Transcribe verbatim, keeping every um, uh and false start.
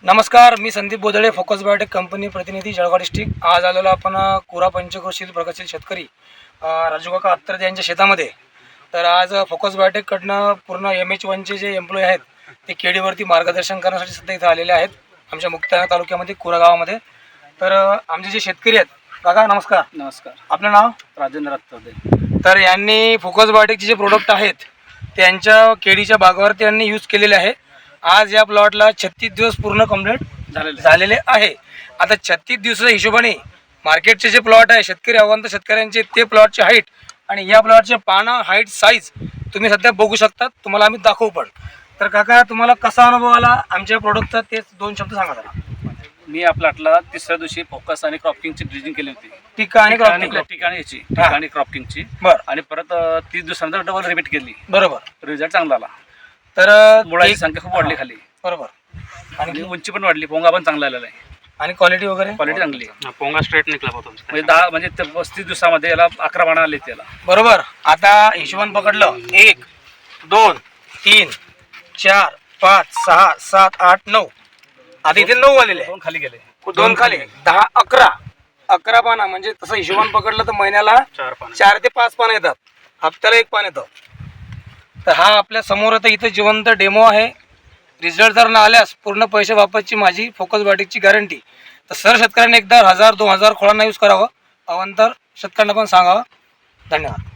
नमस्कार, मी Sandeep Bodle, focus biotech company प्रतिनिधी, जळगाव डिस्ट्रिक्ट। आज आलेलो आपण कुरा पंचक्रोशील प्रगतशील शेतकरी राजू काका अत्तर यांच्या शेतामध्ये। तर आज फोकस बायोटेककडनं पूर्ण एम एच वनचे जे एम्प्लॉई आहेत ते केडीवरती मार्गदर्शन करण्यासाठी सध्या इथं आलेले आहेत आमच्या मुक्ताईनगर तालुक्यामध्ये कुरा गावामध्ये। तर आमचे जे शेतकरी आहेत, काका नमस्कार। नमस्कार, आपलं नाव? राजेंद्र अत्तरदे। तर यांनी फोकस बायोटेकचे जे प्रोडक्ट आहेत त्यांच्या केडीच्या बागावरती यांनी यूज केलेले आहे। आज या प्लॉटला छत्तीस दिवस पूर्ण कंप्लीट झालेले झालेले आहे। आता छत्तीस दिवसाच्या हिशोबाने मार्केटचे जे प्लॉट आहे शेतकरी अवंत शेतकऱ्यांचे ते प्लॉटचे हाईट आणि या प्लॉटचे पाना हाईट साईज तुम्ही सध्या बघू शकता, तुम्हाला आम्ही दाखवू पण। तर काका, तुम्हाला कसा अनुभव आला आमच्या प्रोडक्टचा ते दोन शब्द सांगा जरा। मी या प्लॉटला तिसऱ्या दिवशी फोकस आणि क्रॉपिंगची ड्रिजिंग केली होती। टिका आणि क्रॉपिंग ठिकाणी याची टिका आणि क्रॉपिंगची बरं, आणि परत तीस दिवसानंतर डबल रिपीट केली। बरोबर, रिझल्ट चांगला आला। तर मुळाची संख्या खूप वाढली खाली, बरोबर, आणि उंची पण वाढली, पोंगा पण चांगला आलेला आहे आणि क्वालिटी वगैरे क्वालिटी चांगली आहे। पोंगा स्ट्रेट निघला होता म्हणजे दहा म्हणजे ते पस्तीस दिवसामध्ये याला अकरा पानं आले त्याला। बरोबर। आता हिशोबान पकडलं, एक दोन तीन चार पाच सहा सात आठ नऊ, आता इथे नऊ आलेले दोन खाली गेले, दोन खाली दहा अकरा अकरा पानं, म्हणजे तसं हिशोबान पकडलं तर महिन्याला चार पान चार ते पाच पानं येतात, हप्त्याला एक पान येतं। तर हा आपल्या समोर आता इथं जिवंत डेमो आहे। रिझल्ट जर न आल्यास पूर्ण पैसे वापसची माझी फोकस बायोटेकची गॅरंटी। तर सर शेतकऱ्यांनी एकदा हजार दोन हजार खोळांना यूज करावं, अवंतर शेतकऱ्यांना पण सांगावं। धन्यवाद।